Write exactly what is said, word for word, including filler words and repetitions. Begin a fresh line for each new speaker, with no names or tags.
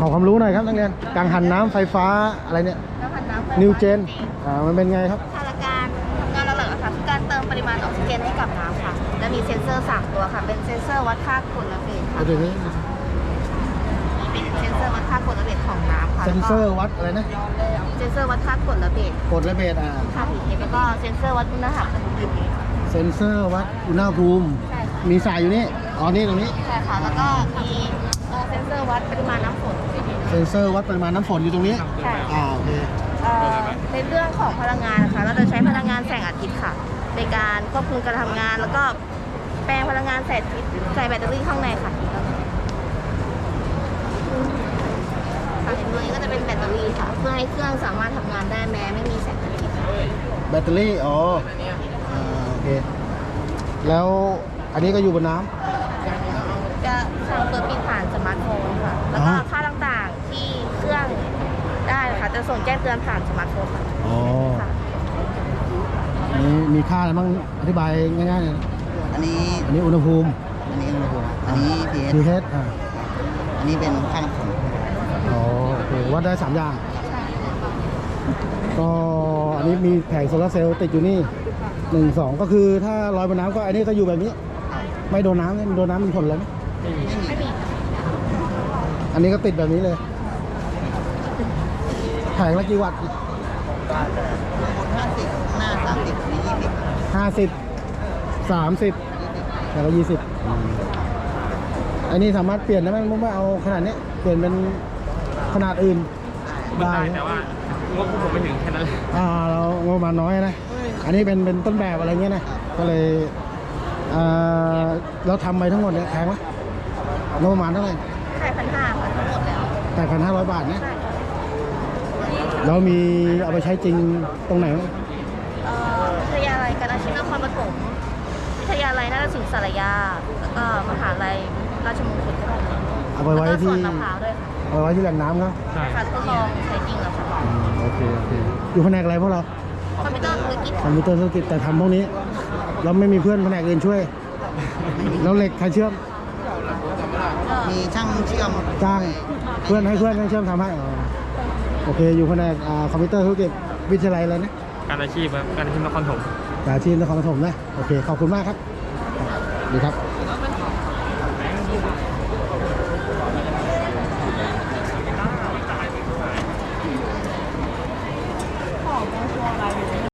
ขอความรู้หน่อยครับนักเรียนกังหันน้ำไฟฟ้าอะไรเนี่ย
กังหันน้ำไฟฟ้า
นิวเจนอ่ามันเป็นไงครับ
หลักการทำงานหลักๆค่ะคือการเติมปริมาณออกซิเจนให้กับน้ำค่ะและมีเซ็นเซอร์สามตัวค่ะเป็นเซ็นเซอร์วัดค่ากรดและเบสค่ะ
เดี๋ยวนี้
เป็นเซ็นเซอร์วัดค่ากรดและเบสของน้ำค่ะ
เซนเซอร์วัดอะไรนะ
เซ็นเซอร์วัดค่ากรดและเบส
กดและเบสอ่า
ค่ะแล้วก็เซ็นเซอร์วัดอุณหภูมิ
เซนเซอร์วัดอุณหภูมิ
ใช่ค่ะ
มีสายอยู่นี่อ๋อนี่ตรงนี้
ใช่ค่ะแล้วก็มีเอ่อเซ็นเซอร์วัดปริมาณน้ำฝน
เซนเซอร์วัดปริมาณน้ำฝนอยู่ตรงนี้
ใช่
อ่าโอเค
เอ่อในเรื่องของพลังงานนะคะเราจะใช้พลังงานแสงอาทิตย์ค่ะ ในการควบคุมการทำงาน แล้วก็แปลงพลังงานแสงอาทิตย์ใส่แบตเตอรี่ข้างในค่ะค่ะตัวนี้ก็จะเป็นแบตเตอรี่ค่ะ เพื่อให้เครื่องสามารถทำงานได้แม้ไม่มีแสงอาทิตย์ค่ะ
แบตเตอรี่อ๋ออ่าโอเคแล้วอันนี้ก็อยู่บนน้ำ
จะสั่งเปิดปิดผ่านสมาร์ทโฟนค่ะ แล้วก็
อ๋อ
ค่าต่างๆที่เครื่องได้ค่ะ จะส่งแจ้งเตือนผ่านสมาร์ทโฟนค่ะ
อ๋อ
ค่ะ
อันนี้มีค่าอะไรบ้างอธิบายง่ายๆเลยนะ
อันนี้
อันนี้อุณหภูมิ
อันนี้อุณหภูมิอันนี้ pH
pH อ่า
อันนี้เป็นค่าน้ำฝน
อ๋อโอเควัดได้สามอย่าง ก็อันนี้มีแผงโซลาร์เซลล์ติดอยู่นี่หนึ่งสองก็คือถ้าลอยบนน้ำก็อันนี้ก็อยู่แบบนี้ ไม่โดนน้ำไม่โดนน้ำมีผลอะไรไหม
ไม่มี
อันนี้ก็ติดแบบนี้เลยแผงละกี่วัตต์
ห้าสิบหน้าสามสิบอันนี้ยี่สิบ
ห้าสิบสามสิบแผงละยี่สิบอันนี้สามารถเปลี่ยนได้ไหมไม่เอาขนาดนี้เปลี่ยนเป็นขนาดอื่น
ได้ แต่ว่างบผมไม่ถึงแค่นั้นเลย
อ่าเรางบประมาณน้อยนะ อันนี้เป็นเป็นต้นแบบอะไรเงี้ยนะ ก็เลยอ่าเราทำไปทั้งหมดเนี่ยแพงไหมงบประมาณเท่าไหร่
ใช่พันห้าค่ะทั้งหมดแล้ว
แปดพันห้าร้อยบาทเนี่ย
ใช่
เรามีเอาไปใช้จริงตรงไหนบ้าง
เอ่อวิทยาลัยการอาชีพนครปฐมวิทยาลัยนาฏศิลป์สารยา แล้วก็มหาลัยราชมงคลก็ได้
เอาไป
แล้ว
ไว้
ก็ส
ที่
วนมะพร้าวด้วยค่ะ
เอาไปไว้ที่แหล่งน้ำครับ
ใช่
ค่ะทดลองใช้จริงแล้วค่ะ
อืมโอเคโอเคอยู่แผนกอะไรพวกเรา
คอมพิวเตอร์ธุรกิจ
คอมพิวเตอร์ธุรกิจแต่ทำพวกนี้ เราไม่มีเพื่อนแผนกอื่นช่วย แล้วเหล็กใครเชื่อม
มีช่างเชื่อม
จ้างเพื่อนให้เพื่อนให้เชื่อมทำให้อ๋อโอเคอยู่แผนกอ่าคอมพิวเตอร์ธุรกิจวิทยาลัยอะไรนะ
การอาชีพครับการอาชีพนครถม
จากที่นครปฐมนะโอเคขอบคุณมากครับดีครับ